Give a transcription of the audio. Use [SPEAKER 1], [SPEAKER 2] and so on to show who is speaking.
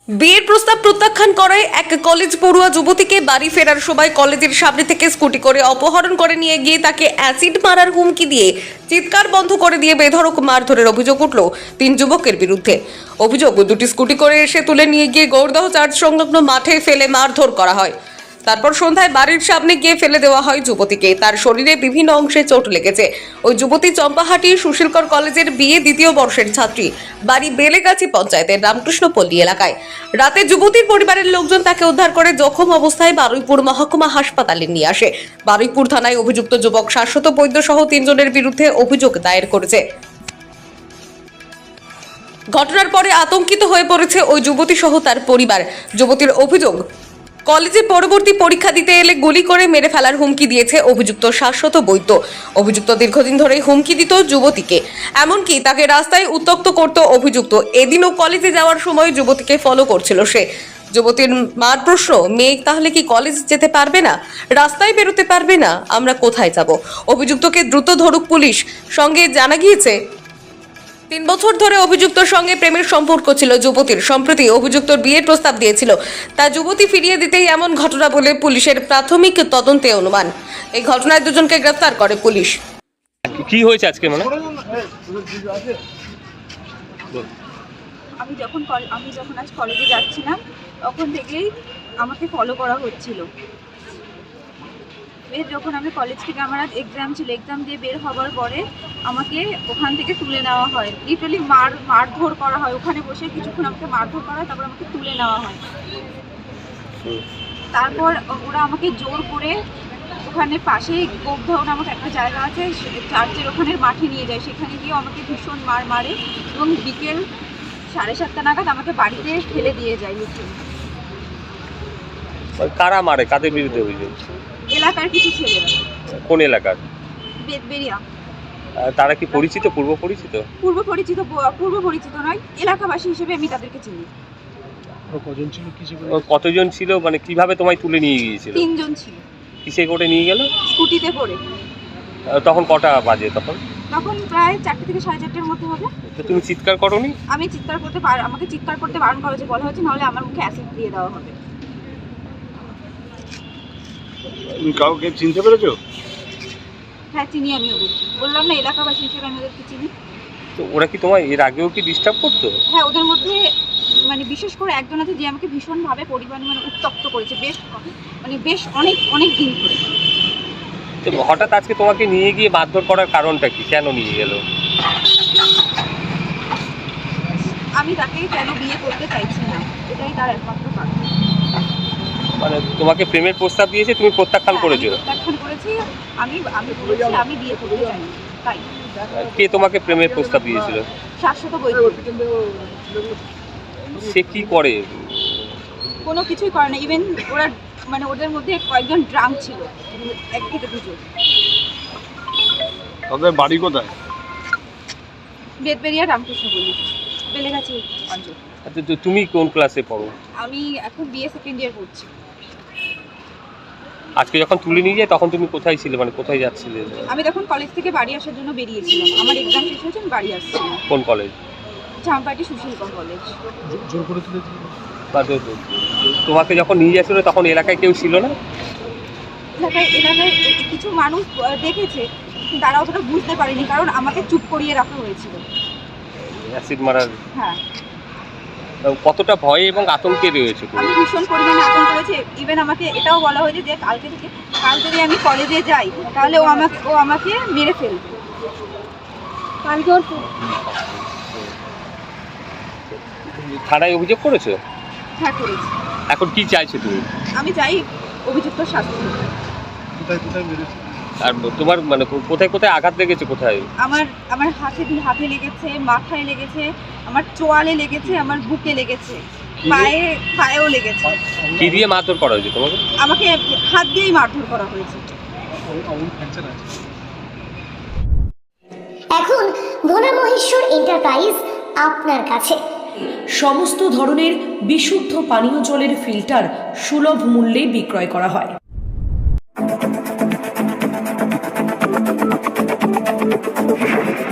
[SPEAKER 1] বিয়ের প্রস্তাব প্রত্যাখ্যান করায় এক কলেজ পড়ুয়া যুবতীকে বাড়ি ফেরার সময় কলেজের সামনে থেকে স্কুটি করে অপহরণ করে নিয়ে গিয়ে তাকে অ্যাসিড মারার হুমকি দিয়ে চিৎকার বন্ধ করে দিয়ে বেধড়ক মারধরের অভিযোগ উঠল 3 যুবকের বিরুদ্ধে। অভিযোগ, দুটি স্কুটি করে এসে তুলে নিয়ে গিয়ে গৌরদহ চার্চ সংলগ্ন মাঠে ফেলে মারধর করা হয়। তারপর সন্ধ্যায় বাড়ির সামনে গিয়ে ফেলে দেওয়া হয় যুবতীকে। তার শরীরে বিভিন্ন অংশে চোট লেগেছে। ওই যুবতী চম্পাহাটি সুশীলকর কলেজের বিএ দ্বিতীয় বর্ষের ছাত্রী, বাড়ি বেলেগাছি পঞ্চায়েতের রামকৃষ্ণপল্লী এলাকায়। রাতে যুবতীর পরিবারের লোকজন তাকে উদ্ধার করে জখম অবস্থায় বারুইপুর মহকুমা হাসপাতালে নিয়ে আসে। বারুইপুর থানায় অভিযুক্ত যুবক শাশ্বত বৈদ্য সহ 3 জনের বিরুদ্ধে অভিযোগ দায়ের করেছে। ঘটনার পরে আতঙ্কিত হয়ে পড়েছে ওই যুবতী সহ তার পরিবার। যুবতীর অভিযোগ, কলেজে পরবর্তী পরীক্ষা দিতে এলে গুলি করে মেরে ফেলার হুমকি দিয়েছে অভিযুক্ত শাশ্বত বৈদ্য। অভিযুক্ত দীর্ঘদিন ধরেই হুমকি দিত যুবতীকে, এমনকি তাকে রাস্তায় উত্ত্যক্ত করত অভিযুক্ত। এদিনও কলেজে যাওয়ার সময় যুবতীকে ফলো করছিল সে। যুবতীর মার প্রশ্ন, মেয়ে তাহলে কি কলেজ যেতে পারবে না, রাস্তায় বেরোতে পারবে না, আমরা কোথায় যাব? অভিযুক্তকে দ্রুত ধরুক পুলিশ। সঙ্গে জানা গিয়েছে 3 বছর ধরে অভিযুক্তর সঙ্গে প্রেমের সম্পর্ক ছিল যুবতীর। সম্প্রতি অভিযুক্তর বিয়ের প্রস্তাব দিয়েছিল, তা যুবতী ফিরিয়ে দিতেই এমন ঘটনা বলে পুলিশের প্রাথমিক তদন্তে অনুমান। এই ঘটনায় 2 জনকে গ্রেফতার করে পুলিশ।
[SPEAKER 2] কি হয়েছে আজকে? মানে
[SPEAKER 3] আমি যখন আজ কলেজে যাচ্ছিলাম তখন থেকেই আমাকে ফলো করা হচ্ছিল। যখন আমি কলেজ থেকে আমার আজ এক্সাম ছিল, এক্সাম দিয়ে বের হওয়ার পরে আমাকে ওখান থেকে তুলে নেওয়া হয়। লিটারালি মারধর করা হয়। ওখানে বসে কিছুক্ষণ আমাকে মারধর করা হয়, তারপর আমাকে তুলে নেওয়া হয়। তারপর ওরা আমাকে জোর করে ওখানে পাশেই গৌরদহ নামক একটা জায়গা আছে, চার্চের ওখানে মাঠে নিয়ে যায়। সেখানে গিয়ে আমাকে ভীষণ মারে এবং বিকেল 7:30 নাগাদ আমাকে বাড়িতে ফেলে দিয়ে যায়।
[SPEAKER 2] কারা মারে? কাদের বিরুদ্ধে অভিযোগ?
[SPEAKER 3] এলাকার কিছু ছেলেরা।
[SPEAKER 2] কোন এলাকার?
[SPEAKER 3] বেদবেরিয়া।
[SPEAKER 2] তারা কি পরিচিত, পূর্ব পরিচিত?
[SPEAKER 3] পূর্ব পরিচিত নয়, এলাকাবাসী হিসেবে আমি তাদেরকে চিনি।
[SPEAKER 2] কতজন ছিল? মানে কিভাবে তোমায় তুলে নিয়ে গিয়েছিল?
[SPEAKER 3] 3 জন ছিল।
[SPEAKER 2] কিসে করে নিয়ে গেল?
[SPEAKER 3] স্কুটিতে করে।
[SPEAKER 2] তখন কটা বাজে? তখন
[SPEAKER 3] প্রায় 4টে থেকে 4:30-এর মধ্যে হবে।
[SPEAKER 2] তো তুমি চিৎকার করোনি?
[SPEAKER 3] আমি আমাকে চিৎকার করতে বারণ করা হয়েছে, বলা হয়েছে নাহলে আমার মুখে অ্যাসিড দিয়ে দেওয়া হবে।
[SPEAKER 4] তুমি কাউকে চিনতে পেরেছো?
[SPEAKER 3] হ্যাঁ, চিনি আমি ওদেরকে। বললাম না, এলাকাবাসী হিসেবে আমি ওদেরকে চিনি।
[SPEAKER 2] তো ওরা কি তোমায় এর আগেও কি ডিস্টার্ব করতো?
[SPEAKER 3] হ্যাঁ, ওদের মধ্যে মানে বিশেষ করে একজন আছে যে আমাকে ভীষণভাবে উত্তপ্ত করেছে বেশ অনেক দিন ধরে।
[SPEAKER 2] তো হঠাৎ আজকে তোমাকে নিয়ে গিয়ে মারধর করার কারণটা কি? কেন নিয়ে গেল?
[SPEAKER 3] আমি তাকে কেন বিয়ে করতে চাইছি না, এটাই তার একমাত্র কারণ।
[SPEAKER 2] মানে তোমাকে প্রেমের প্রস্তাব দিয়েছে, তুমি প্রত্যাখ্যান করেছো?
[SPEAKER 3] প্রত্যাখ্যান করেছি। আমি বলেছি আমি বিয়ে করতে চাই না। তাই।
[SPEAKER 2] কে তোমাকে প্রেমের প্রস্তাব দিয়েছিল?
[SPEAKER 3] শাশ্বত বৈদ্য।
[SPEAKER 2] সে কি করে?
[SPEAKER 3] কোনো কিছুই করে না। ইভেন ওদের মধ্যে কয়েকজন ড্রাঙ্ক ছিল, 1 থেকে 2 জন।
[SPEAKER 4] তাদের বাড়ি কোথায়?
[SPEAKER 3] বেদবেরিয়া রামকৃষ্ণপল্লী, বেলেগাছি অঞ্চল।
[SPEAKER 2] আচ্ছা, তুমি কোন ক্লাসে পড়ো?
[SPEAKER 3] আমি এখন বিএ সেকেন্ড ইয়ার পড়ছি।
[SPEAKER 2] আজকে যখন তুলে নিয়ে যায় তখন তুমি কোথায় ছিলে? মানে কোথায় যাচ্ছিলে?
[SPEAKER 3] আমি তখন কলেজ থেকে বাড়ি আসার জন্য বেরিয়েছিলাম। আমার এক্সাম শেষ হয়েছে, আমি বাড়ি আসছিলাম।
[SPEAKER 2] কোন কলেজ?
[SPEAKER 3] চম্পাহাটি সুশীলকর কলেজ।
[SPEAKER 4] জোর করে তুলে
[SPEAKER 2] তোমাকে যখন নিয়ে যাচ্ছিল তখন এলাকায় কেউ ছিল না?
[SPEAKER 3] এলাকায় কিছু মানুষ দেখেছে, তারা অতটা বুঝতে পারেনি, কারণ আমাকে চুপ করিয়ে রাখা হয়েছিল।
[SPEAKER 2] অ্যাসিড মারার?
[SPEAKER 3] হ্যাঁ।
[SPEAKER 2] কতটা ভয়ে এবং আতঙ্কে রয়েছে?
[SPEAKER 3] আমি ভীষণ পরিমাণে আতঙ্ক করেছি। ইভেন আমাকে এটাও বলা হয়েছে যে কাল যদি আমি কলেজে যাই তাহলে ও আমাকে মেরে ফেলবে।
[SPEAKER 2] থানায় অভিযোগ করেছো?
[SPEAKER 3] হ্যাঁ, করেছি।
[SPEAKER 2] এখন কি চাইছো তুমি?
[SPEAKER 3] আমি চাই অভিযুক্ত শাস্তি।
[SPEAKER 4] কোথায় মেরেছে?
[SPEAKER 2] আর তোমার মানে কোথায় কোথায় আঘাত লেগেছে? কোথায়?
[SPEAKER 3] আমার হাতে লেগেছে, মাথায় লেগেছে, আমার চোয়ালে লেগেছে, আমার বুকে লেগেছে, পায়েও লেগেছে।
[SPEAKER 2] কি দিয়ে মারধর করা হয়েছে তোমাকে?
[SPEAKER 3] আমাকে হাত দিয়েই মারধর করা হয়েছে।
[SPEAKER 5] এখন ভোলা মহেশ্বর এন্টারপ্রাইজ আপনার কাছে
[SPEAKER 6] সমস্ত ধরনের বিশুদ্ধ পানীয় জলের ফিল্টার সুলভ মূল্যে বিক্রয় করা হয়।